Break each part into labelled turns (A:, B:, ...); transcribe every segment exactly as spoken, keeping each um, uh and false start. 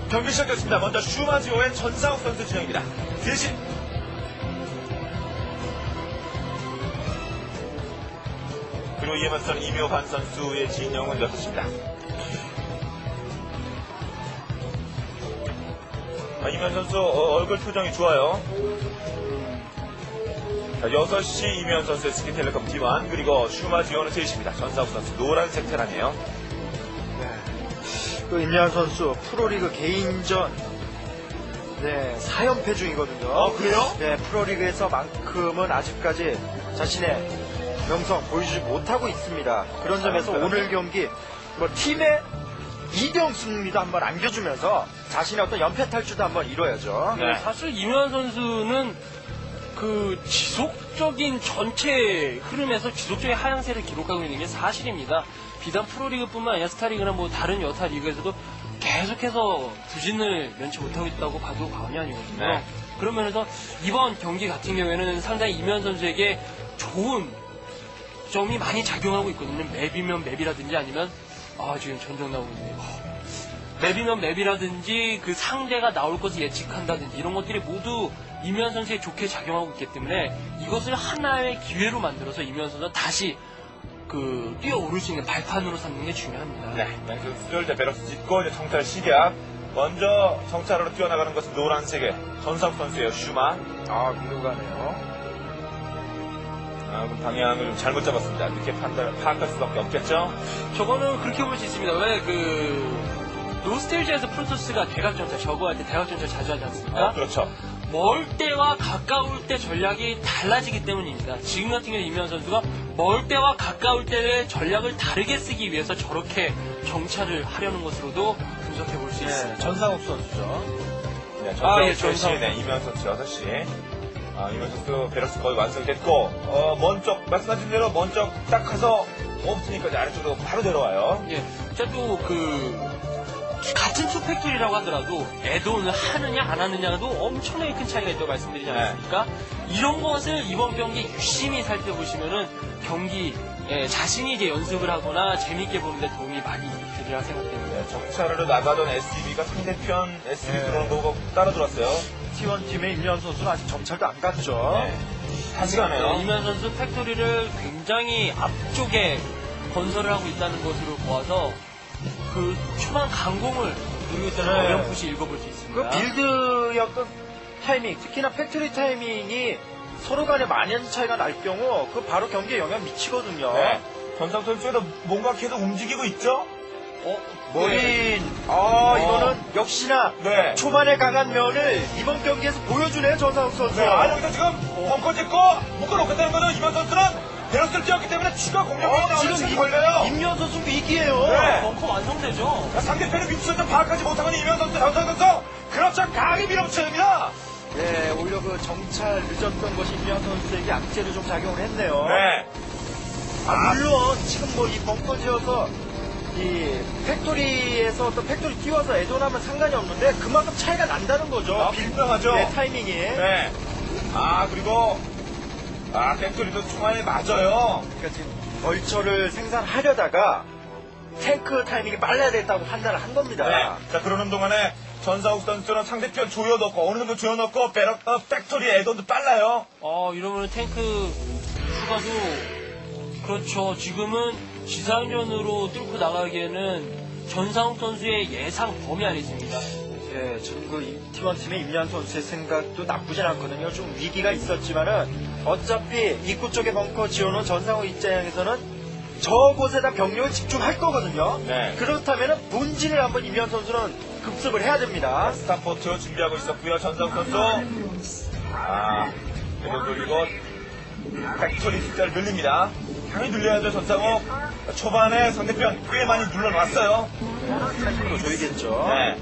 A: 경기 시작됐습니다. 먼저 슈마지오의 전상욱 선수 진영입니다. 대신 그리고 이에 맞서는 이묘한 선수의 진영은 여섯 시입니다. 아, 이묘한 선수 어, 얼굴 표정이 좋아요. 자, 여섯 시 이묘한 선수의 스키텔레콤 티 원, 그리고 슈마지오는 세 시입니다. 전상욱 선수 노란색 테란이에요.
B: 네. 그 임현 선수 프로리그 개인전 네, 사 연패 중이거든요.
A: 아, 그래요?
B: 네, 프로리그에서만큼은 아직까지 자신의 명성 보여주지 못하고 있습니다. 그런 점에서
A: 아,
B: 오늘 경기 뭐 팀의 이병 승리도 한번 안겨주면서 자신의 어떤 연패 탈출도 한번 이뤄야죠.
C: 네, 사실 이묘한 선수는 그 지속적인 전체 흐름에서 지속적인 하향세를 기록하고 있는 게 사실입니다. 비단 프로리그뿐만 아니라 스타리그나 뭐 다른 여타 리그에서도 계속해서 부진을 면치 못하고 있다고 봐도 과언이 아니거든요.
A: 네.
C: 그런 면에서 이번 경기 같은 경우에는 상당히 이묘한 선수에게 좋은 점이 많이 작용하고 있거든요. 맵이면 맵이라든지 아니면 아 지금 전정 나오고 있네요. 맵이면 맵이라든지 그 상대가 나올 것을 예측한다든지 이런 것들이 모두 이묘한 선수에 좋게 작용하고 있기 때문에 이것을 하나의 기회로 만들어서 이묘한 선수가 다시 그 뛰어오를 수 있는 발판으로 삼는 게 중요합니다.
A: 네, 선수들 이제 베럭스 짓고 이제 정찰 시작. 먼저 정찰으로 뛰어나가는 것은 노란색의 전상욱 선수예요. 슈마.
B: 아, 궁금하네요.
A: 아, 그럼 방향을 잘못 잡았습니다. 이렇게 판단, 파악할 수밖에 없겠죠?
C: 저거는 그렇게 볼 수 있습니다. 왜 그 노스텔지에서 프로토스가 대각전차 저거할 때 대각전차 자주 하지 않습니까?
A: 어, 그렇죠.
C: 멀 때와 가까울 때 전략이 달라지기 때문입니다. 지금 같은 경우 이묘한 선수가 멀 때와 가까울 때의 전략을 다르게 쓰기 위해서 저렇게 정찰을 하려는 것으로도 분석해 볼 수
B: 네,
C: 있습니다.
B: 전상욱 선수죠.
A: 네,
C: 아,
A: 전상욱
C: 예,
A: 세 시,
C: 전상욱.
A: 네, 이면 선수 여섯 시. 아, 이면 선수 베럭스 거의 완성됐고, 어, 먼쪽, 말씀하신 대로 먼쪽 딱 가서 없으니까 이제 아래쪽으로 바로 내려와요.
C: 예, 제가 또 그 같은 투팩토리라고 하더라도 애돈을 하느냐 안 하느냐도 엄청나게 큰 차이가 있다고 말씀드리지 않았습니까? 이런 것을 이번 경기 유심히 살펴보시면은 경기 예, 자신이 이제 연습을 하거나 재미있게 보는데 도움이 많이 되리라 생각됩니다.
A: 네, 정찰으로 나가던 에스디비가 상대편 에스디비
B: 네.
A: 들어오는 거 보고 따라 들어왔어요.
B: 티 원 팀의 임현 선수는 아직 정찰도 안 갔죠.
A: 네. 다시 가네요.
C: 네, 이면 선수 팩토리를 굉장히 앞쪽에 건설을 하고 있다는 것으로 보아서 그 초반 강공을 누리고 있다는
B: 네.
C: 어렴풋이 읽어볼 수 있습니다.
B: 그 빌드의 어떤 타이밍, 특히나 팩토리 타이밍이 서로 간에 많은 차이가 날 경우 그 바로 경기에 영향 미치거든요.
A: 네. 전상욱 선수도 뭔가 계속 움직이고 있죠?
C: 어?
B: 머린, 아
A: 어.
B: 이거는 역시나
A: 네.
B: 초반에 강한 면을 이번 경기에서 보여주네요, 전상욱 선수.
A: 네, 아, 여기서 지금 벙커 짓고 묶어놓겠다는 거는 이번 선수는 베럭스를 뛰었기 때문에 추가 공격이
B: 어,
A: 나오는
B: 지금
A: 지금 걸려요.
B: 임현 선수 위기예요.
A: 네.
C: 벙커 완성되죠?
A: 상대편의 위치를 좀 파악하지 못하고 있는 이면 선수, 전상욱 선수. 그렇죠. 강히 밀어붙여야 됩니다.
B: 네, 오히려 그 정찰 늦었던 것이 임현 선수에게 악재로 좀 작용을 했네요.
A: 네.
B: 아, 물론 지금 뭐 이 벙커 지어서 이 팩토리에서 또 팩토리 띄워서 애존하면 상관이 없는데 그만큼 차이가 난다는 거죠.
A: 아,
B: 빌-
A: 분명하죠.
B: 네, 타이밍이.
A: 네. 아, 그리고, 아, 팩토리도 중간에 맞아요.
B: 그러니까 지금 벌처를 생산하려다가 탱크 타이밍이 빨라야 됐다고 판단을 한 겁니다.
A: 네. 자, 그러는 동안에 전상욱 선수는 상대편 조여넣고, 어느 정도 조여넣고, 베럭, 어, 팩토리 애돈도 빨라요.
C: 어, 이러면 탱크 추가도 그렇죠. 지금은 지상전으로 뚫고 나가기에는 전상욱 선수의 예상 범위 안에 있습니다.
B: 예, 지금 그 팀원 팀의 임현 선수의 생각도 나쁘진 않거든요. 좀 위기가 있었지만은 어차피 입구 쪽에 벙커 지어놓은 전상우 입장에서는 저곳에다 병력을 집중할 거거든요.
A: 네.
B: 그렇다면은 본진을 한번 임현 선수는 급습을 해야 됩니다.
A: 스타포트 준비하고 있었고요. 전상욱 선수. 아, 그리고 그리고 팩토리 숫자를 늘립니다. 당연히 늘려야죠, 전상욱. 초반에 상대편 꽤 많이 눌러놨어요.
B: 타이밍도 줘야겠죠.
A: 네.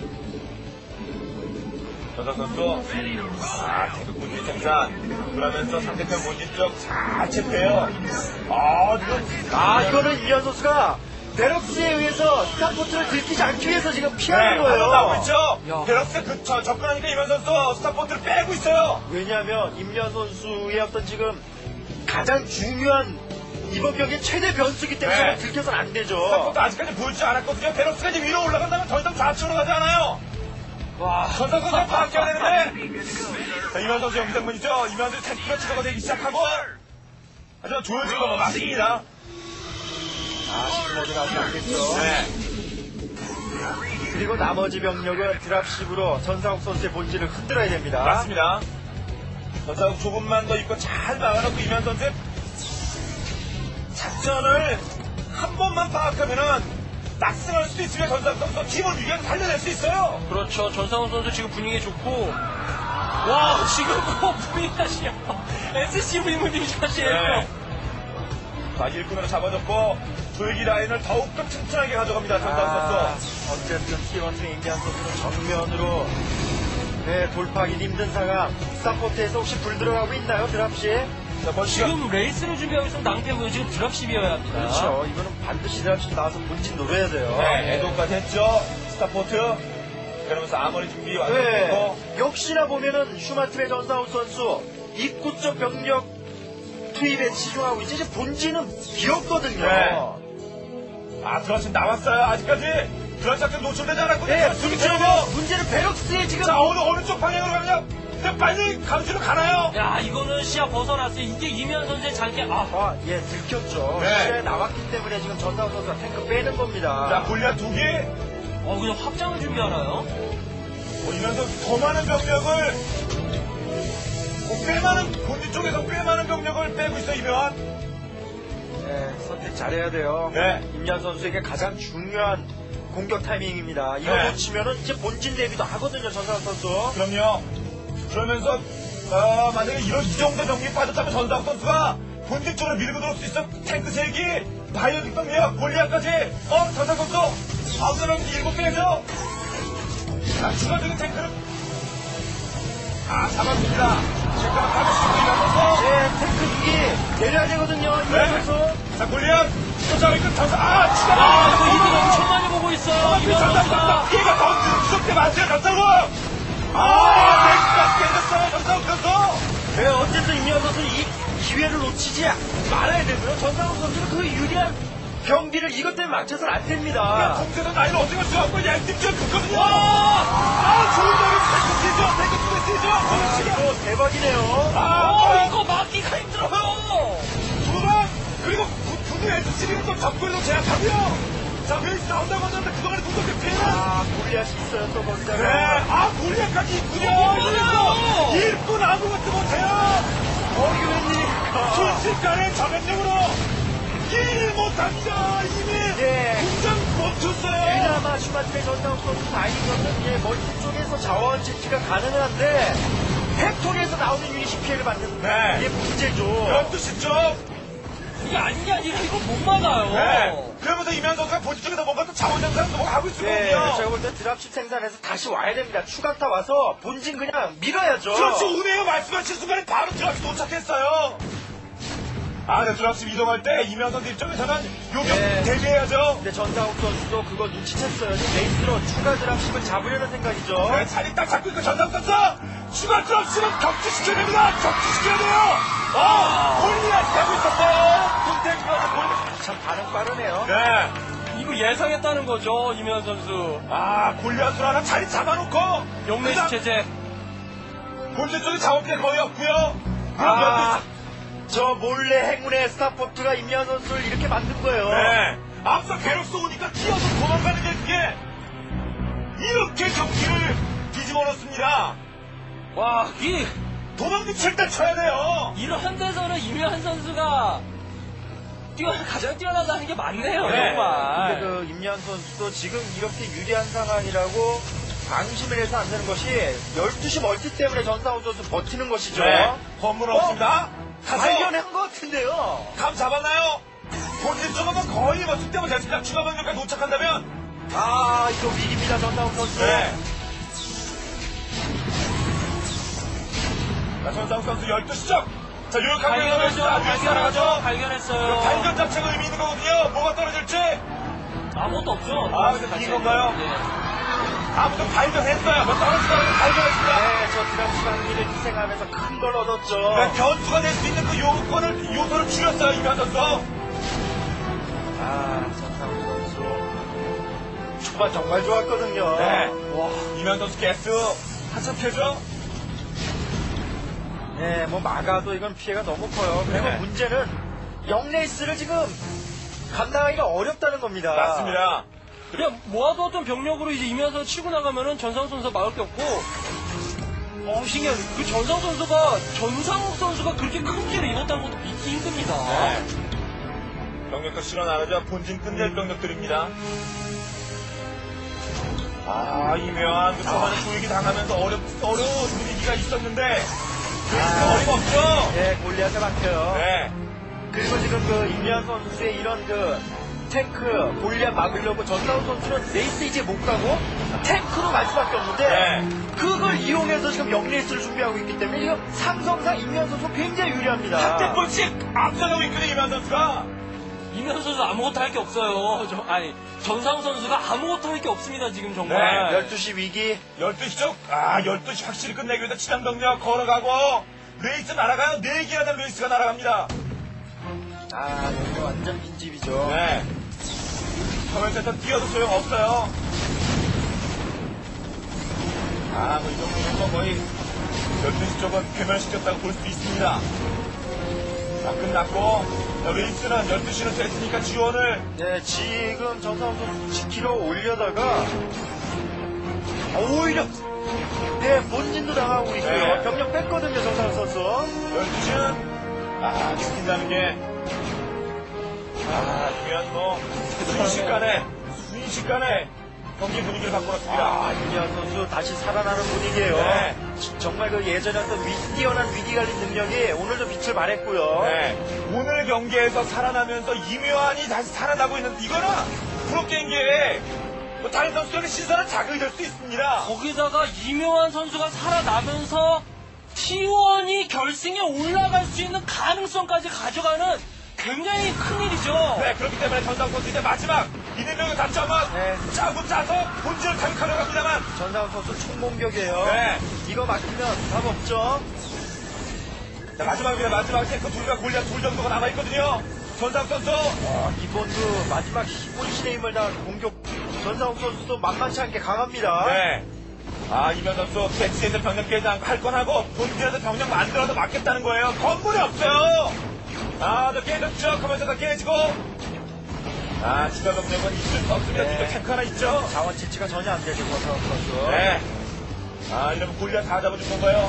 A: 전상욱 선수. 아, 태극 본진 생산. 그러면서 상대편 본진 쪽잘 체크해요. 아, 지금.
B: 아, 이거는 임현 선수가 베럭스에 의해서 스타포트를 들키지 않기 위해서 지금 피하는
A: 네,
B: 거예요.
A: 나오고 있죠?
C: 야.
A: 베럭스 그, 저, 접근하니까 이면 선수 스타포트를 빼고 있어요.
B: 왜냐하면 임현 선수의 어떤 지금 가장 중요한 이번 경기 최대 변수기 때문에
A: 네.
B: 들켜서는 안 되죠.
A: 스타포트 아직까지 보이지 않았거든요. 베럭스가 이제 위로 올라간다면 더 이상 좌측으로 가지 않아요.
C: 와,
A: 전상권 선수 파악해야 되는데. 자, 이만 선수 영상문이죠. 이만 선수 탱크가 치료가 되기 시작하고. 하지만 조여진 건 맞습니다.
B: 아, 시즌모드 가지 않겠죠.
A: 네.
B: 그리고 나머지 병력은 드랍십으로 전상욱 선수의 본질을 흔들어야 됩니다.
A: 맞습니다. 전상욱 조금만 더 입고 잘 막아놓고 이만 선수의 작전을 한 번만 파악하면은 낙승할 수도 있으면 전상욱 선수 팀을 위기에서 살려낼 수 있어요.
C: 그렇죠. 전상훈 선수 지금 분위기 좋고, 와, 지금 뭐 분위기샷이야. 에스씨브이 분위기샷이에요.
A: 네. 자, 일꾼으로 잡아줬고 조이기 라인을 더욱더 튼튼하게 가져갑니다. 전상욱
B: 아,
A: 선수.
B: 어쨌든 티원팀 임기한 선수는 정면으로 네, 돌파하기 힘든 상황. 서포트에서 혹시 불 들어가고 있나요, 드랍십?
A: 자, 번시가
C: 지금 레이스를 준비하고 있으면 낭패고요. 지금 드랍십이어야 합니다.
B: 그렇죠. 이거는 반드시 드랍십 나와서 본진 노려야 돼요.
A: 네, 애도까지 했죠. 스타포트. 그러면서 아머리 준비 완료됐고.
B: 네. 역시나 보면은 슈마팀의 전상욱 선수 입구 쪽 병력 투입에 치중하고 있지. 이제 본진은 비었거든요.
A: 네. 아, 드러시 나왔어요. 아직까지 드러시 작전 노출되지 않았거든요.
B: 네,
A: 둘이
B: 문제는,
A: 치고.
B: 문제는 베럭스에 지금
A: 자, 어느, 어느 쪽 방향으로 가냐? 근데 빨리 가로지로 가나요?
C: 야, 이거는 시야 벗어났어요. 이게 이면 선수의 장기, 아,
B: 아, 예, 들켰죠.
A: 네.
B: 시야에 나왔기 때문에 지금 전상욱 선수가 탱크 빼는 겁니다.
A: 자, 골리앗 두 개.
C: 어, 그냥 확장을 준비하나요?
A: 어, 이면서 더 많은 병력을, 뭐, 꽤 많은, 본진 쪽에서 꽤 많은 병력을 빼고 있어, 이면.
B: 네, 선택 잘해야 돼요.
A: 네.
B: 임현 선수에게 가장 중요한 공격 타이밍입니다. 이거
A: 네.
B: 놓치면은 이제 본진 대비도 하거든요, 전상욱 선수.
A: 그럼요. 그러면서, 어, 만약에 이런, 이 정도 병력이 빠졌다면 전상 선수가 본진 쪽으로 밀고 들어올 수 있어. 탱크 세 개, 바이오틱 병력, 골리앗까지. 어, 전상 선수. 아웃사람 일곱 개죠. 자, 추가적인 탱크를. 아, 잡았습니다. 잠깐만 가볍게 일어나서.
B: 네, 탱크 두 개 내려야 되거든요, 임현
A: 네.
B: 선수.
A: 자, 골리앗. 쫓아가고 있고, 전상, 아, 추가.
C: 아, 이거 이득 엄청 많이 보고 있어요. 이면
A: 전상
C: 선수가.
A: 선수. 얘가 더 무섭게 많죠, 전상우. 아, 넥스가 깨졌어요, 전상우 선수.
B: 네, 어쨌든 임현 선수 이 기회를 놓치지 말아야 되고요. 전상욱 선수는 그 유리한 경기를 이것 때문에 맞춰서는 안 됩니다.
A: 동세는 나이를 어떻게 맞춰갖고 양팀전 긋거든요. 아, 좋은 노래 탱크 뛰죠, 탱크 뛰죠.
B: 아,
A: 지금.
B: 이거 대박이네요.
A: 아,
C: 어, 이거 막기가 힘들어요.
A: 두방 그리고 두두 에스씨비는 또 잡고에서 제압하고요. 자, 베이스 나온다고 하는데 그동안에 두껍게 피해라.
B: 아, 골리앗이 있어요, 또 거기다가.
A: 네, 아, 골리앗까지 있군요.
C: 어,
A: 일꾼 아무것도 못해요.
B: 어, 이게 웬일입니까?
A: 순식간에 저변력으로 일 못합니다. 이미
B: 예.
A: 공장 멈췄어요.
B: 그나마 슈마트의 전상욱 선수 다행인 것은 예, 멀티 쪽에서 자원 채취가 가능한데 팩토리에서 나오는 유닛이 피해를 받는
A: 네.
B: 이게 문제죠.
A: 열두 시 쪽.
C: 이게 아닌 게 아니라 이거 못 막아요.
A: 네. 그러면서 이면 선수가 본진 쪽에서 뭔가 또 자원 장사도 뭔가 하고 있을
B: 네,
A: 거거든요.
B: 제가 볼 때 드랍십 생산해서 다시 와야 됩니다. 추가타 와서 본진 그냥 밀어야죠.
A: 그렇죠. 운해요. 말씀하신 순간에 바로 드랍십 도착했어요. 아, 네, 드랍십 이동할 때 이면 선수 입장에서는 요격
B: 네.
A: 대비해야죠.
B: 근데 전상욱 선수도 그거 눈치챘어요. 지금 베이스로 추가 드랍십을 잡으려는 생각이죠.
A: 네, 자리 딱 잡고 있고 전상 선수 추가 드랍십은 격추시켜야 됩니다. 격추시켜야 돼요. 아, 골리앗 되고 있었어요. 군탱크가 골리앗.
B: 참 반응 빠르네요.
A: 네.
C: 이거 예상했다는 거죠, 이면 선수.
A: 아, 골리앗으로 하나 자리 잡아놓고
C: 영내시
A: 그다음
C: 체제.
A: 본진 쪽에 자원피해 거의 없고요.
B: 아, 저 몰래 행운의 스타포트가 임현 선수를 이렇게 만든 거예요.
A: 네. 앞서 괴롭소 오니까 뛰어서 도망가는 게 그게 이렇게 경기를 뒤집어 놓습니다.
C: 와, 이,
A: 도망칠 때 쳐야 돼요.
C: 이런 데서는 이면 선수가 뛰어, 가장 뛰어나다는 게 맞네요,
A: 네.
C: 정말.
B: 근데 그 임현 선수도 지금 이렇게 유리한 상황이라고 방심을 해서 안 되는 것이 열두 시 멀티 때문에 전상욱 선수 버티는 것이죠.
A: 네. 건물 없습니다. 가서
B: 발견한 것 같은데요.
A: 감 잡았나요? 본진 쪽은 거의 뭐 숙대만 됐습니다. 추가 병력까지 도착한다면
B: 아, 이거 위기입니다, 전상욱 선수.
A: 네. 자, 전상욱 선수 열두 시점. 자, 요렇게
C: 발견하죠, 발견하죠, 발견했어요.
A: 발견 자체가 의미 있는 거거든요. 뭐가 떨어질지.
C: 아무것도 없죠.
A: 아, 근데 빈 건가요?
C: 네.
A: 아무튼 발견했어요. 뭐 떨어지다가 발견했습니다.
B: 네, 저 드랍십 한기를 희생하면서 큰 걸 얻었죠.
A: 네, 변수가 될 수 있는 그 요건을, 요소를 줄였어요, 이면 선수.
B: 아, 전상욱 선수. 초반 정말 좋았거든요.
A: 네.
B: 와.
A: 이면 선수 개수 한참 펴죠?
B: 네, 뭐 막아도 이건 피해가 너무 커요. 그리고
A: 네.
B: 문제는 영레이스를 지금 감당하기가 어렵다는 겁니다.
A: 맞습니다.
C: 그냥 모아두었던 병력으로 이제 이면서 치고 나가면은 전상욱 선수가 막을 게 없고, 어, 신기한, 그 전상욱 선수가, 전상욱 선수가 그렇게 큰 피해를 입었다는 것도 믿기 힘듭니다.
A: 네. 병력도 실어 나르죠. 본진 끝낼 병력들입니다. 아, 이면 그 초반에 조이기 당하면서 어렵, 어려운 분위기가 있었는데, 아, 어림없죠?
B: 네, 골리앗에 막혀요.
A: 네.
B: 그리고 지금 그 임리한 선수의 이런 그 탱크 골리앗 막으려고 전상우 선수는 레이스 이제 못 가고 탱크로 갈 수밖에 없는데
A: 네.
B: 그걸 이용해서 지금 영레이스를 준비하고 있기 때문에 지금 삼성상 임리한 선수 굉장히 유리합니다.
A: 한 템포씩 앞서가고 있거든요, 이면 선수가.
C: 이면 선수 아무것도 할 게 없어요. 저, 아니, 전상욱 선수가 아무것도 할 게 없습니다, 지금 정말.
A: 네,
B: 열두 시 위기.
A: 열두 시죠? 아, 열두 시 확실히 끝내기 위해서 치단 병력 걸어가고, 레이스 날아가요. 네 개나 된 레이스가 날아갑니다.
B: 아, 여기 완전 빈집이죠.
A: 네. 커맨센터 뛰어도 소용없어요. 아, 뭐 이 정도면 뭐 거의 열두 시 쪽은 괴멸시켰다고 볼 수 있습니다. 아, 끝났고, 자, 레이스는 열두 시는 됐으니까 지원을.
B: 네, 지금 전상우 선수 지키러 올려다가 아, 오히려 네, 본진도 당하고 있고요.
A: 네.
B: 병력 뺐거든요, 전상우 선수.
A: 열두 시는, 아, 지킨다는 게, 아, 중요한 뭐, 순식간에, 순식간에 경기 분위기를 바꿔놨습니다.
B: 아, 임리한 선수 다시 살아나는 분위기예요.
A: 네.
B: 정말 그 예전에 어떤 위, 뛰어난 위기 관리 능력이 오늘도 빛을 발했고요.
A: 네. 오늘 경기에서 살아나면서 이묘한이 다시 살아나고 있는, 이거는 프로게임계에 뭐 다른 선수들의 시선은 자극이 될 수 있습니다.
C: 거기다가 이묘한 선수가 살아나면서 티원이 결승에 올라갈 수 있는 가능성까지 가져가는 굉장히 큰 일이죠.
A: 네, 그렇기 때문에 전상 선수 이제 마지막 이대명을 다시 한번
B: 네.
A: 짜고 짜서 본질을 자극하려고 합니다만.
B: 전상우 선수 총공격이에요.
A: 네.
B: 이거 막히면 답 없죠.
A: 자, 마지막입니다. 마지막 탱크 둘과 골리앗 둘 정도가 남아있거든요. 전상 선수.
B: 아, 이번도 마지막 혼신의 힘을 다한 공격 전상우 선수도 만만치 않게 강합니다.
A: 네. 아, 이면 선수 배치에서 병력 깨지 않고 할 건 하고 본질에서 병력 만들어서 막겠다는 거예요. 건물이 없어요. 아, 저 깨졌죠. 하면서 다 깨지고. 아, 추가 병력은 있을 수 없습니다.
B: 네.
A: 뒤쪽 탱크 하나 있죠.
B: 자원 채취가 전혀 안 되죠, 전상우 선수.
A: 네. 아, 이러면 골리앗 다 잡아준 건가요?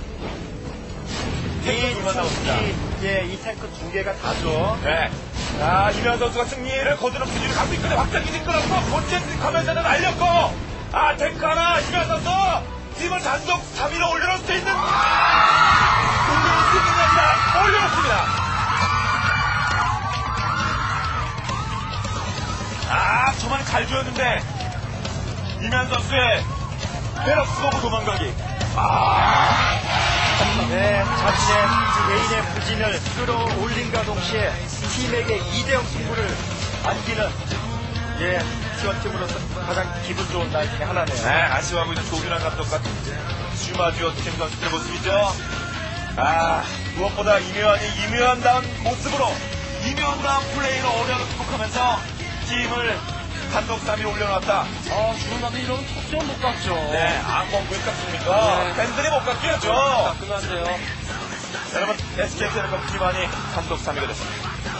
B: 이,
A: 탱크 둘만 남았습니다.
B: 이, 예, 이 탱크 두 개가 다죠.
A: 네. 자, 이면 선수가 승리를 거두는 분위기를 갖고 있거든요. 확장기지 끌었고, 본진 가면서는 날렸고, 아, 탱크 하나, 이면 선수, 팀을 단독 삼 위로 올려놓을 수 있는, 올려놓을 수 있는 겁니다. 올려놓습니다. 아, 저만 잘 주었는데, 이면 선수의 페럭스 보고 도망가기.
B: 네, 자신의 개인의 부진을 끌어올린과 동시에 팀에게 이 대 영 승부를 안기는 예, 티원팀으로서 가장 기분 좋은 날 중에 하나네요.
A: 네, 아쉬워하고 있는 조규란 감독 같은 슈마지오 팀 선수들의 모습이죠. 아, 무엇보다 이묘한이 이묘한다운 모습으로, 이묘한다운 플레이로 어려움을 극복하면서 팀을 단독 삼 위로 올려놨다.
C: 아, 주는 나도 이런 턱점 못 갔죠.
A: 네, 악몽 왜 깎습니까?
C: 네.
A: 팬들이 못 깎여죠.
C: 아, 끝났네요.
A: 여러분, 에스케이텔레콤 팀원이 단독 삼 위가 됐습니다.